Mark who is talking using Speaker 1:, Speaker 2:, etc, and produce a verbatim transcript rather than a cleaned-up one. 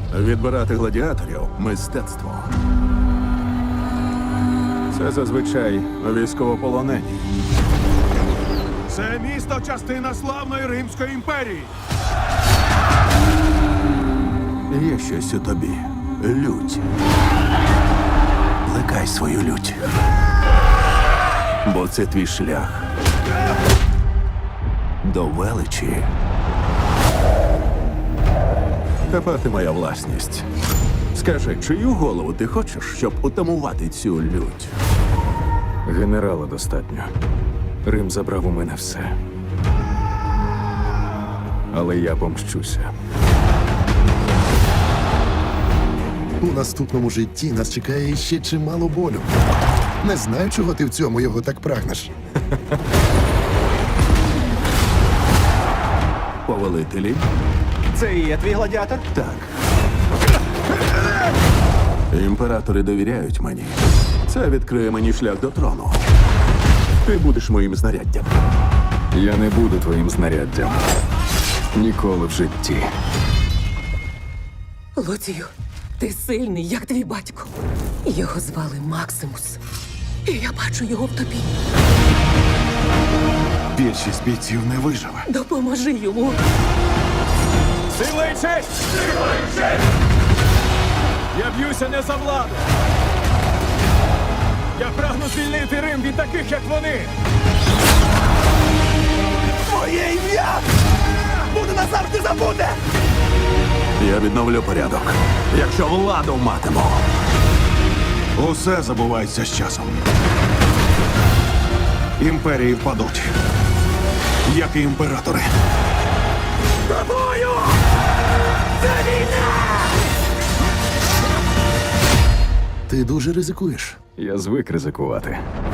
Speaker 1: Відбирати гладіаторів – мистецтво. Це зазвичай військовополонені.
Speaker 2: Це місто – частина славної Римської імперії.
Speaker 1: Є щось у тобі. Лють. Плекай свою лють. Бо це твій шлях до величі. Тепер ти моя власність. Скажи, чию голову ти хочеш, щоб утамувати цю лють?
Speaker 3: Генерала достатньо. Рим забрав у мене все. Але я помщуся.
Speaker 4: У наступному житті нас чекає ще чимало болю. Не знаю, чого ти в цьому його так прагнеш.
Speaker 1: Повелителі?
Speaker 5: Це і є твій гладіатор?
Speaker 1: Так. Імператори довіряють мені. Це відкриє мені шлях до трону. Ти будеш моїм знаряддям.
Speaker 3: Я не буду твоїм знаряддям. Ніколи в житті.
Speaker 6: Лоцію, ти сильний, як твій батько. Його звали Максимус. І я бачу його в тобі.
Speaker 2: Більшість бійців не виживе.
Speaker 6: Допоможи йому.
Speaker 2: Сила і честь! Сила і честь! Я б'юся не за владу. Я прагну звільнити Рим від таких, як вони.
Speaker 5: Моє ім'я буде назавжди забуде!
Speaker 1: Я відновлю порядок, якщо владу матиму.
Speaker 2: Усе забувається з часом. Імперії впадуть, як і імператори.
Speaker 5: Тобою! Це війна!
Speaker 4: Ти дуже ризикуєш.
Speaker 3: Я звик ризикувати.